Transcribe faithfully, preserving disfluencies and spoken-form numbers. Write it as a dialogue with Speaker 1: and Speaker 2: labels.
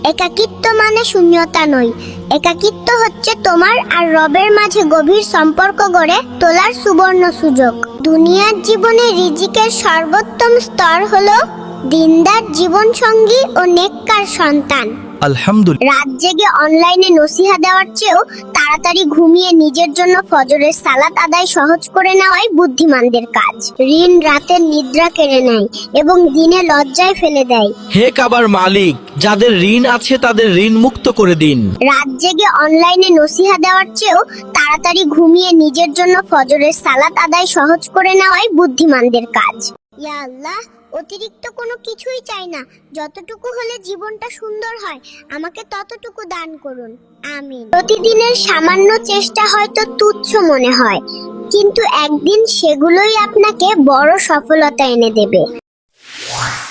Speaker 1: একাকিত্ব মানে শূন্যতা নয়, একাকিত্ব হচ্ছে তোমার আর রবের মাঝে গভীর সম্পর্ক গড়ে তোলার সুবর্ণ সুযোগ। দুনিয়ার জীবনে রিজিকের সর্বোত্তম স্তর হলো দিনদার জীবন সঙ্গী ও নেককার সন্তান।
Speaker 2: আলহামদুলিল্লাহ।
Speaker 1: রাত জেগে অনলাইনে নসিহা দেওয়ার চেয়েও তাড়াতাড়ি ঘুমিয়ে নিজের জন্য ফজরের সালাত আদায় সহজ করে নেওয়াই বুদ্ধিমানদের কাজ। ঋণ রাতের নিদ্রা কেড়ে নেয় এবং দিনে লজ্জায় ফেলে দেয়।
Speaker 2: হে কাবার মালিক, যাদের ঋণ আছে তাদের ঋণ মুক্ত করে দিন।
Speaker 1: রাত জেগে অনলাইনে নসিহা দেওয়ার চেয়েও তাড়াতাড়ি ঘুমিয়ে নিজের জন্য ফজরের সালাত আদায় সহজ করে নেওয়াই বুদ্ধিমানদের কাজ। ইয়া আল্লাহ, অতিরিক্ত কোনো কিছুই চাই না, যতটুকু হলে জীবনটা সুন্দর হয় আমাকে ততটুকু দান করুন, আমিন। প্রতিদিনের সামান্য চেষ্টা হয়তো তুচ্ছ মনে হয়, কিন্তু একদিন সেগুলোই আপনাকে বড় সফলতা এনে দেবে।